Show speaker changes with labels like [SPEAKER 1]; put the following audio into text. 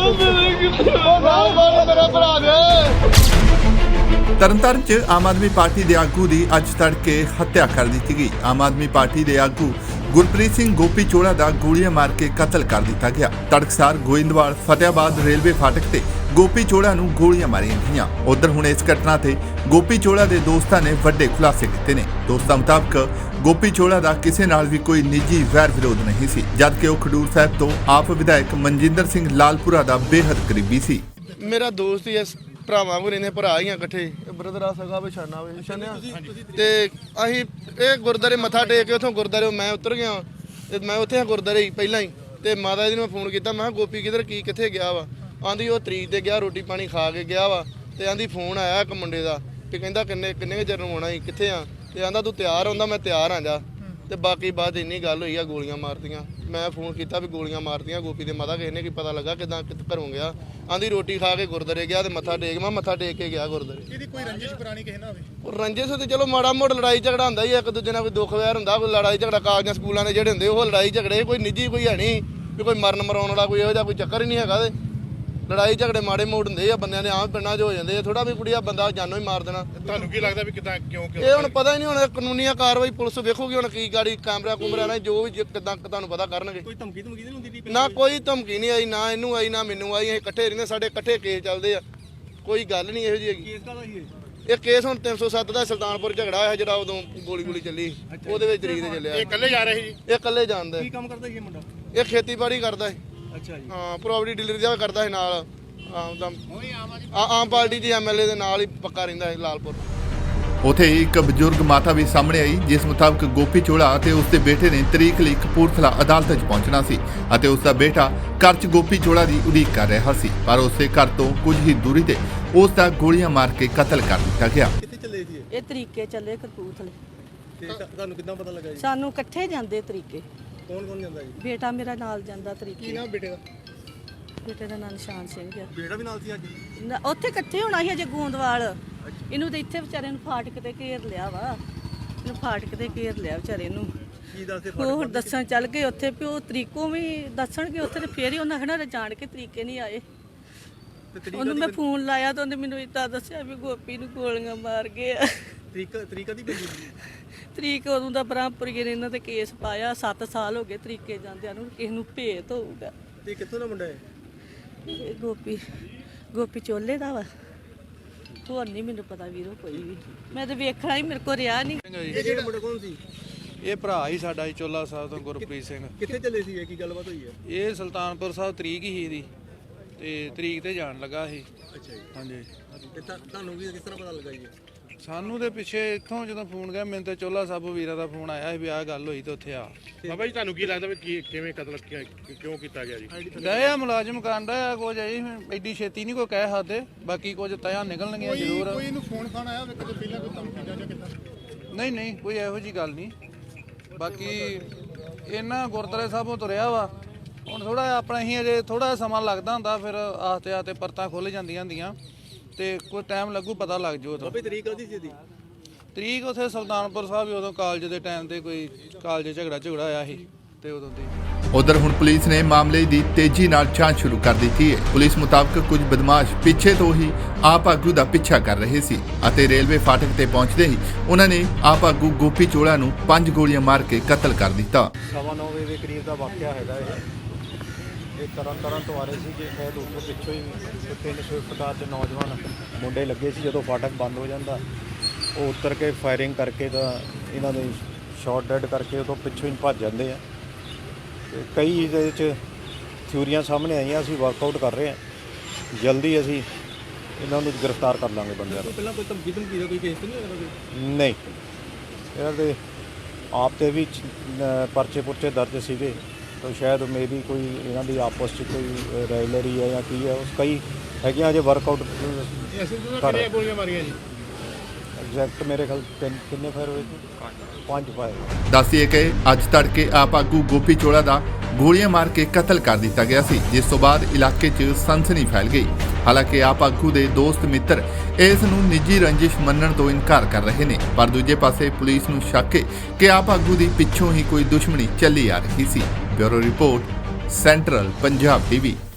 [SPEAKER 1] ਤਰਨਤਾਰਨ 'ਚ ਆਮ ਆਦਮੀ ਪਾਰਟੀ ਦੇ ਆਗੂ ਦੀ ਅੱਜ ਤੜਕੇ ਹੱਤਿਆ ਕਰ ਦਿੱਤੀ ਗਈ। ਆਮ ਆਦਮੀ ਪਾਰਟੀ ਦੇ ਆਗੂ ਗੁਰਪ੍ਰੀਤ ਸਿੰਘ ਗੋਪੀ ਚੋਲਾ ਦਾ ਗੋਲੀਆਂ ਮਾਰ ਕੇ ਕਤਲ ਕਰ ਦਿੱਤਾ ਗਿਆ। ਤੜਕਸਾਰ ਗੋਇੰਦਵਾਲ ਫਤਿਆਬਾਦ ਰੇਲਵੇ ਫਾਟਕ ਤੇ ਗੋਪੀ ਚੋਲਾ ਨੂੰ ਗੋਲੀਆਂ ਮਾਰੀਆਂ ਗਈਆਂ। ਉਧਰ ਹੁਣ ਇਸ ਘਟਨਾ ਤੇ ਗੋਪੀ ਚੋਲਾ ਦੇ ਦੋਸਤਾਂ ਨੇ ਵੱਡੇ ਖੁਲਾਸੇ ਕੀਤੇ ਨੇ। ਦੋਸਤਾਂ ਮੁਤਾਬਕ ਗੋਪੀ ਚੋਲਾ ਦਾ ਕਿਸੇ ਨਾਲ ਵੀ ਕੋਈ ਨਿੱਜੀ ਵੈਰ ਵਿਰੋਧ ਨਹੀਂ ਸੀ, ਜਦਕਿ ਉਹ ਖਡੂਰ ਸਾਹਿਬ ਤੋਂ ਆਪ ਵਿਧਾਇਕ ਮਨਜਿੰਦਰ ਸਿੰਘ ਲਾਲਪੁਰਾ ਦਾ ਬੇਹੱਦ ਕਰੀਬੀ ਸੀ।
[SPEAKER 2] ਮੇਰਾ ਦੋਸਤ ਹੀ ਇਸ ਭਰਾਵਾਂ ਕੋਲ ਰਹਿੰਦੇ, ਭਰਾ ਹੀ ਆ ਇਕੱਠੇ, ਬ੍ਰਦਰ ਆ ਸਗਾ ਵਿਛਾਨਾ ਵਿਛਾਨਿਆ ਤੇ ਅਸੀਂ ਇਹ ਗੁਰਦਾਰੇ ਮੱਥਾ ਟੇਕ ਕੇ ਉਥੋਂ ਗੁਰਦਾਰੇ ਮੈਂ ਉਤਰ ਗਿਆ ਤੇ ਮੈਂ ਉੱਥੇ ਗੁਰਦਾਰੇ ਹੀ ਪਹਿਲਾਂ ਹੀ ਤੇ ਮਾਤਾ ਜੀ ਨੂੰ ਮੈਂ ਫੋਨ ਕੀਤਾ, ਮੈਂ ਕਿਹਾ ਗੋਪੀ ਕਿੱਧਰ ਕਿੱਥੇ ਗਿਆ ਵਾ। ਆਂਦੀ ਉਹ ਤਰੀਕ ਤੇ ਗਿਆ, ਰੋਟੀ ਪਾਣੀ ਖਾ ਕੇ ਗਿਆ ਵਾ ਤੇ ਆਂਦੀ ਫੋਨ ਆਇਆ ਇੱਕ ਮੁੰਡੇ ਦਾ ਤੇ ਕਹਿੰਦਾ ਕਿੰਨੇ ਚਿਰ ਨੂੰ ਆਉਣਾ ਸੀ, ਕਿੱਥੇ ਆ, ਤੇ ਆਂਦਾ ਤੂੰ ਤਿਆਰ ਹੁੰਦਾ, ਮੈਂ ਤਿਆਰ ਆ ਜਾ। ਤੇ ਬਾਕੀ ਬਾਅਦ ਇੰਨੀ ਗੱਲ ਹੋਈ ਆ, ਗੋਲੀਆਂ ਮਾਰਤੀਆਂ। ਮੈਂ ਫੋਨ ਕੀਤਾ ਵੀ ਗੋਲੀਆਂ ਮਾਰਤੀਆਂ ਗੋਪੀ ਦੇ ਮਾਤਾ, ਕਿਸੇ ਨੇ ਕੀ ਪਤਾ ਲੱਗਾ ਕਿਦਾਂ ਘਰੋਂ ਗਿਆ। ਆਂਦੀ ਰੋਟੀ ਖਾ ਕੇ ਗੁਰਦਾਰੇ ਗਿਆ ਤੇ ਮੱਥਾ ਟੇਕ, ਮੈਂ ਮੱਥਾ ਟੇਕ ਕੇ ਗਿਆ ਗੁਰਦਾਰੇ।
[SPEAKER 3] ਇਹਦੀ ਕੋਈ ਰੰਜਿਸ਼ ਪੁਰਾਣੀ ਕਿਸੇ ਨਾਲ ਹੋਵੇ?
[SPEAKER 2] ਉਹ ਰੰਜਿਸ਼ ਤੇ ਚਲੋ ਮਾੜਾ ਮੋੜ ਲੜਾਈ ਝਗੜਾ ਹੁੰਦਾ ਹੀ, ਇੱਕ ਦੂਜੇ ਨਾਲ ਕੋਈ ਦੁੱਖ ਵੈਰ ਹੁੰਦਾ, ਕੋਈ ਲੜਾਈ ਝਗੜਾ ਕਾਗਜ਼ਾਂ ਸਕੂਲਾਂ ਦੇ ਜਿਹੜੇ ਹੁੰਦੇ ਉਹ ਲੜਾਈ ਝਗੜੇ, ਕੋਈ ਨਿੱਜੀ ਕੋਈ ਹੈ ਨਹੀਂ ਵੀ ਕੋਈ ਮਰਨ ਮਰਾਉਣ ਵਾਲਾ ਕੋਈ ਇਹੋ ਜਿਹਾ ਕੋਈ ਚੱਕਰ ਹੀ ਨਹੀਂ ਹੈਗਾ। ਤੇ ਲੜਾਈ ਝਗੜੇ ਮਾੜੇ ਮੋੜ ਹੁੰਦੇ ਆ ਬੰਦਿਆਂ ਦੇ, ਆਮ ਪਿੰਡਾਂ 'ਚ ਹੋ ਜਾਂਦੇ ਆ, ਥੋੜਾ ਵੀ ਕੁੜੀਆ ਬੰਦਾ ਜਾਨੋਂ ਹੀ ਮਾਰ ਦੇਣਾ।
[SPEAKER 3] ਤੁਹਾਨੂੰ ਕੀ ਲੱਗਦਾ ਵੀ ਕਿਦਾਂ ਕਿਉਂ
[SPEAKER 2] ਇਹ ਹੁਣ ਪਤਾ ਹੀ ਨਹੀਂ, ਹੁਣ ਕਾਨੂੰਨੀ ਕਾਰਵਾਈ ਪੁਲਿਸ ਵੇਖੂਗੀ ਹੁਣ ਕੀ ਗਾੜੀ ਕੈਮਰਾ ਕੁਮਰਾ ਨਾਲ ਜੋ ਵੀ ਕਿਦਾਂ ਤੁਹਾਨੂੰ ਪਤਾ ਕਰਨਗੇ।
[SPEAKER 3] ਕੋਈ ਧਮਕੀ ਨਹੀਂ ਹੁੰਦੀ?
[SPEAKER 2] ਨਾ ਕੋਈ ਧਮਕੀ ਨਹੀਂ ਆਈ, ਨਾ ਇਹਨੂੰ ਆਈ ਨਾ ਮੈਨੂੰ ਆਈ। ਅਸੀਂ ਇਕੱਠੇ ਰਹਿੰਦੇ, ਸਾਡੇ ਇਕੱਠੇ ਕੇਸ ਚੱਲਦੇ ਆ, ਕੋਈ ਗੱਲ ਨਹੀਂ ਇਹੋ ਜਿਹੀ ਹੈਗੀ।
[SPEAKER 3] ਕੇਸ ਕਾਹਦਾ ਸੀ
[SPEAKER 2] ਇਹ ਕੇਸ ਹੁਣ 307 ਦਾ ਸੁਲਤਾਨਪੁਰ ਝਗੜਾ ਹੋਇਆ ਜਿਹੜਾ ਉਦੋਂ ਗੋਲੀ ਚੱਲੀ, ਉਹਦੇ ਵਿੱਚ ਤਰੀਕ ਤੇ ਚੱਲਿਆ।
[SPEAKER 3] ਇਹ ਇਕੱਲੇ ਜਾ ਰਹੇ ਸੀ?
[SPEAKER 2] ਇਹ ਇਕੱਲੇ ਜਾਣਦਾ।
[SPEAKER 3] ਕੀ ਕੰਮ ਕਰਦਾ ਸੀ ਇਹ ਮੁੰਡਾ?
[SPEAKER 2] ਇਹ ਖੇਤੀਬਾੜੀ ਕਰਦਾ ਹੈ।
[SPEAKER 3] ਅੱਛਾ ਜੀ।
[SPEAKER 2] ਹਾਂ, ਪ੍ਰੋਪਰਟੀ ਡੀਲਰ ਦਾ ਕਰਦਾ ਹੈ ਨਾਲ। ਆਮ ਪਾਰਟੀ ਦੇ ਐਮਐਲਏ ਦੇ ਨਾਲ ਹੀ ਪੱਕਾ ਰਹਿੰਦਾ ਹੈ ਲਾਲਪੁਰ।
[SPEAKER 1] ਉਥੇ ਇੱਕ ਬਜ਼ੁਰਗ ਮਾਤਾ ਵੀ ਸਾਹਮਣੇ ਆਈ, ਜਿਸ ਮੁਤਾਬਕ ਗੋਪੀ ਚੋਲਾ ਅਤੇ ਉਸ ਦੇ ਬੇਟੇ ਨੇ ਤਰੀਕ ਲਈ ਕਪੂਰਥਲਾ ਅਦਾਲਤ 'ਚ ਪਹੁੰਚਣਾ ਸੀ ਅਤੇ ਉਸ ਦਾ ਬੇਟਾ ਘਰ 'ਚ ਗੋਪੀ ਚੋਲਾ ਦੀ ਉਡੀਕ ਕਰ ਰਿਹਾ ਸੀ, ਪਰ ਉਸੇ ਘਰ ਤੋਂ ਕੁਝ ਹੀ ਦੂਰੀ ਤੇ ਉਸ ਦਾ ਗੋਲੀਆਂ ਮਾਰ ਕੇ ਕਤਲ ਕਰ ਦਿੱਤਾ ਗਿਆ।
[SPEAKER 3] ਕਿੱਥੇ ਚੱਲੇ ਸੀ
[SPEAKER 4] ਇਹ ਤਰੀਕੇ ਚੱਲੇ ਕਪੂਰਥਲੇ।
[SPEAKER 3] ਤੇ ਤੁਹਾਨੂੰ ਕਿੱਦਾਂ ਪਤਾ ਲੱਗਾ ਜੀ?
[SPEAKER 4] ਸਾਨੂੰ ਇਕੱਠੇ ਜਾਂਦੇ ਤਰੀਕੇ।
[SPEAKER 3] ਕੌਣ ਜਾਂਦਾ ਜੀ?
[SPEAKER 4] ਬੇਟਾ ਮੇਰਾ ਨਾਲ ਜਾਂਦਾ
[SPEAKER 3] ਕੀ
[SPEAKER 4] ਤਰੀਕੇ।
[SPEAKER 3] ਨਾਮ ਬੇਟੇ ਦਾ?
[SPEAKER 4] ਬੇਟੇ ਦਾ ਨਾਂ ਨਿਸ਼ਾਨ ਸਿੰਘ ਆ।
[SPEAKER 3] ਬੇਟਾ ਵੀ ਨਾਲ ਸੀ ਅੱਜ?
[SPEAKER 4] ਉੱਥੇ ਇਕੱਠੇ ਹੋਣਾ ਸੀ ਅਜੇ ਗੋਂਦਵਾਲ। ਇਹਨੂੰ ਤੇ ਇੱਥੇ ਵਿਚਾਰੇ ਨੂੰ ਫਾਟਕ ਤੇ ਘੇਰ ਲਿਆ ਵਾ, ਇਹਨੂੰ ਫਾਟਕ ਤੇ ਘੇਰ ਲਿਆ ਵਿਚਾਰੇ ਨੂੰ।
[SPEAKER 3] ਕੀ ਦੱਸਦੇ?
[SPEAKER 4] ਉਹ ਦੱਸਣ ਚੱਲ ਗਏ ਉੱਥੇ ਵੀ ਉਹ ਤਰੀਕੋਂ ਵੀ ਦੱਸਣਗੇ ਉੱਥੇ, ਤੇ ਫੇਰ ਹੀ ਉਹਨਾਂ ਕਹਿਣਾ ਜਾਣ ਕੇ ਤਰੀਕੇ ਨਹੀਂ ਆਏ। ਉਹਨੂੰ ਮੈਂ ਫੋਨ ਲਾਇਆ ਤਾਂ ਉਹਨੇ ਮੈਨੂੰ ਇੱਦਾਂ ਦੱਸਿਆ ਵੀ ਗੋਪੀ ਨੂੰ ਗੋਲੀਆਂ ਮਾਰ ਗਏ ਆ।
[SPEAKER 3] ਤਰੀਕਾ ਦੀ ਬਣੀ?
[SPEAKER 4] ਤਰੀਕ ਉਦੋਂ ਦਾ ਬ੍ਰਹਮਪੁਰੀਏ ਨੇ ਇਹਨਾਂ ਤੇ ਕੇਸ ਪਾਇਆ, 7 ਸਾਲ ਹੋ ਗਏ ਤਰੀਕੇ ਜਾਂਦਿਆਂ ਨੂੰ, ਕਿਸੇ ਨੂੰ ਭੇਤ ਹੋਊਗਾ।
[SPEAKER 3] ਤੇ ਕਿੱਥੋਂ ਦਾ ਮੁੰਡਾ ਹੈ?
[SPEAKER 4] ਇਹ ਗੋਪੀ ਚੋਲੇ ਦਾ ਵਾ, ਹੋਰ ਨਹੀਂ ਮੈਨੂੰ ਪਤਾ ਵੀਰੋ ਕੋਈ ਵੀ, ਮੈਂ ਤਾਂ ਵੇਖਣਾ ਹੀ ਮੇਰੇ ਕੋਲ ਰਿਹਾ ਨਹੀਂ।
[SPEAKER 3] ਇਹ ਜਿਹੜਾ ਮੁੰਡਾ ਕੌਣ ਸੀ?
[SPEAKER 5] ਇਹ ਭਰਾ ਹੀ ਸਾਡਾ ਜੀ, ਚੋਲਾ ਸਾਹਿਬ ਤੋਂ ਗੁਰਪ੍ਰੀਤ ਸਿੰਘ।
[SPEAKER 3] ਕਿੱਥੇ ਚੱਲੇ ਸੀ? ਇਹ ਕੀ ਗੱਲਬਾਤ ਹੋਈ ਹੈ?
[SPEAKER 5] ਇਹ ਸੁਲਤਾਨਪੁਰ ਸਾਹਿਬ ਤਰੀਕ ਹੀ ਇਹਦੀ ਤੇ ਤਰੀਕ ਤੇ ਜਾਣ ਲੱਗਾ ਸੀ।
[SPEAKER 3] ਅੱਛਾ ਜੀ।
[SPEAKER 5] ਹਾਂਜੀ।
[SPEAKER 3] ਤੇ ਤੁਹਾਨੂੰ ਵੀ ਕਿਸ ਤਰ੍ਹਾਂ ਪਤਾ ਲੱਗਾ ਜੀ?
[SPEAKER 5] ਸਾਨੂੰ ਦੇ ਪਿੱਛੇ ਇੱਥੋਂ ਜਦੋਂ ਫੋਨ ਗਿਆ ਮੈਨੂੰ ਤੇ ਚੋਲਾ ਸਾਹਿਬ ਵੀਰਾ ਦਾ ਫੋਨ ਆਇਆ ਸੀ ਵੀ ਆਹ ਗੱਲ ਹੋਈ ਤੇ ਉੱਥੇ ਆ।
[SPEAKER 3] ਬਾਬਾ ਜੀ ਤੁਹਾਨੂੰ ਕੀ ਲੱਗਦਾ ਵੀ ਕਿਵੇਂ ਕਤਲ ਕਿਉਂ ਕੀਤਾ ਗਿਆ ਜੀ?
[SPEAKER 5] ਗਏ ਆ ਮੁਲਾਜ਼ਮ ਕਾਂਡਾ ਆ ਕੁਝ ਐ, ਐਡੀ ਛੇਤੀ ਨਹੀਂ ਕੋਈ ਕਹਿ ਸਕਦੇ, ਬਾਕੀ ਕੁਝ ਤਿਆ ਨਿਕਲਣਗੀਆਂ ਜ਼ਰੂਰ।
[SPEAKER 3] ਕੋਈ ਇਹਨੂੰ ਫੋਨ ਖਾਣ ਆਇਆ ਕਦੇ ਪਹਿਲਾਂ ਕੋਈ ਧਮਕੀ ਜਾਂ ਕਿੱਦਾਂ?
[SPEAKER 5] ਨਹੀਂ ਕੋਈ ਇਹੋ ਜੀ ਗੱਲ ਨਹੀਂ। ਬਾਕੀ ਇਹਨਾਂ ਗੁਰਦੁਆਰੇ ਸਾਹਿਬੋਂ ਤੁਰਿਆ ਵਾ, ਹੁਣ ਥੋੜਾ ਆਪਣਾ ਹੀ ਅਜੇ ਥੋੜਾ ਸਮਾਂ ਲੱਗਦਾ ਹੁੰਦਾ, ਫਿਰ ਆਸਤੇ ਪਰਤਾਂ ਖੁੱਲ ਜਾਂਦੀਆਂ ਹੁੰਦੀਆਂ ਤੇ ਕੋਈ ਟਾਈਮ ਲੱਗੂ, ਪਤਾ ਲੱਗ ਜੂ। ਉਦੋਂ
[SPEAKER 3] ਤਰੀਕ ਆਦੀ ਸੀ?
[SPEAKER 5] ਤਰੀਕ ਉੱਥੇ ਸੁਲਤਾਨਪੁਰ ਸਾਹਿਬ ਉਦੋਂ ਕਾਲਜ ਦੇ ਟਾਈਮ ਤੇ ਕੋਈ ਕਾਲਜ ਝਗੜਾ ਹੋਇਆ ਸੀ ਤੇ ਉਦੋਂ ਦੀ।
[SPEAKER 1] ਉਧਰ ਹੁਣ ਪੁਲਿਸ ਨੇ ਮਾਮਲੇ ਦੀ ਤੇਜ਼ੀ ਨਾਲ ਜਾਂਚ ਸ਼ੁਰੂ ਕਰ ਦਿੱਤੀ ਹੈ। ਪੁਲਿਸ ਮੁਤਾਬਕ ਕੁਝ ਬਦਮਾਸ਼ ਪਿੱਛੇ ਤੋਂ ਹੀ ਆਪ ਆਗੂ ਦਾ ਪਿੱਛਾ ਕਰ ਰਹੇ ਸੀ ਅਤੇ ਰੇਲਵੇ ਫਾਟਕ ਤੇ ਪਹੁੰਚਦੇ ਹੀ ਉਹਨਾਂ ਨੇ ਆਪ ਆਗੂ ਗੋਪੀ ਚੋਲਾ ਨੂੰ 5 ਗੋਲੀਆਂ ਮਾਰ ਕੇ ਕਤਲ ਕਰ ਦਿੱਤਾ।
[SPEAKER 6] 9:15 ਵਜੇ ਦੇ ਕਰੀਬ ਦਾ ਵਾਕਿਆ ਹੈਗਾ ਇਹ ਤਰਨ ਤੋਂ ਆ ਰਹੇ ਸੀ ਕਿ ਸ਼ਾਇਦ ਉੱਥੋਂ ਪਿੱਛੋਂ ਹੀ 3 ਸਵਿਫਟ ਕਾਰ 'ਚ ਨੌਜਵਾਨ ਮੁੰਡੇ ਲੱਗੇ ਸੀ। ਜਦੋਂ ਫਾਟਕ ਬੰਦ ਹੋ ਜਾਂਦਾ ਉਹ ਉਤਰ ਕੇ ਫਾਇਰਿੰਗ ਕਰਕੇ ਤਾਂ ਇਹਨਾਂ ਦੇ ਸ਼ਾਟ ਡੈਡ ਕਰਕੇ ਉਹ ਤੋਂ ਪਿੱਛੋਂ ਹੀ ਭੱਜ ਜਾਂਦੇ ਆ। ਤੇ ਕਈ ਇਹਦੇ ਵਿੱਚ ਥਿਊਰੀਆਂ ਸਾਹਮਣੇ ਆਈਆਂ, ਅਸੀਂ ਵਰਕਆਊਟ ਕਰ ਰਹੇ ਹਾਂ, ਜਲਦੀ ਅਸੀਂ ਇਹਨਾਂ ਨੂੰ ਗ੍ਰਿਫਤਾਰ ਕਰ ਲਾਂਗੇ ਬੰਦਿਆਂ ਨੂੰ।
[SPEAKER 3] ਪਹਿਲਾਂ ਕੋਈ ਧਮਕੀ ਦਾ ਕੋਈ ਕੇਸ ਨਹੀਂ?
[SPEAKER 6] ਨਹੀਂ, ਇਹਨਾਂ ਦੇ ਆਪ ਤੇ ਵੀ ਪਰਚੇ ਦਰਜ ਸੀਗੇ, ਤਾਂ ਸ਼ਾਇਦ ਮੇਬੀ ਕੋਈ ਇਹਨਾਂ ਦੀ ਆਪਸ 'ਚ ਕੋਈ ਰਾਇਲਰੀ ਹੈ ਜਾਂ ਕੀ ਹੈ, ਉਸ ਕਈ ਹੈਗੀਆਂ ਅਜੇ ਵਰਕਆਊਟ ਕਰ।
[SPEAKER 3] ਗੋਲੀਆਂ ਮਾਰੀਆਂ ਜੀ?
[SPEAKER 6] ਐਗਜ਼ੈਕਟ ਮੇਰੇ ਖਿਆਲ ਕਿੰਨੇ ਫਾਇਰ ਹੋਏ ਸੀ? 5 ਫਾਇਰ।
[SPEAKER 1] ਦੱਸੀਏ ਕਿ ਅੱਜ ਤੜਕੇ ਆਪ ਆਗੂ ਗੋਪੀ ਚੋਲਾ ਦਾ ਗੋਲੀਆਂ ਮਾਰ ਕੇ ਕਤਲ ਕਰ ਦਿੱਤਾ ਗਿਆ ਸੀ, ਜਿਸ ਤੋਂ ਬਾਅਦ ਇਲਾਕੇ 'ਚ ਸਨਸਨੀ ਫੈਲ ਗਈ। ਹਾਲਾਂਕਿ ਆਪ ਆਗੂ ਦੇ ਦੋਸਤ ਮਿੱਤਰ ਇਸ ਨੂੰ ਨਿੱਜੀ ਰੰਜਿਸ਼ ਮੰਨਣ ਤੋਂ ਇਨਕਾਰ ਕਰ ਰਹੇ ਨੇ, ਪਰ ਦੂਜੇ ਪਾਸੇ ਪੁਲਿਸ ਨੂੰ ਸ਼ੱਕ ਹੈ ਕਿ ਆਪ ਆਗੂ ਦੀ ਪਿੱਛੋਂ ਹੀ ਕੋਈ ਦੁਸ਼ਮਣੀ ਚੱਲੀ ਆ ਰਹੀ ਸੀ। Bureau report, central Punjab TV.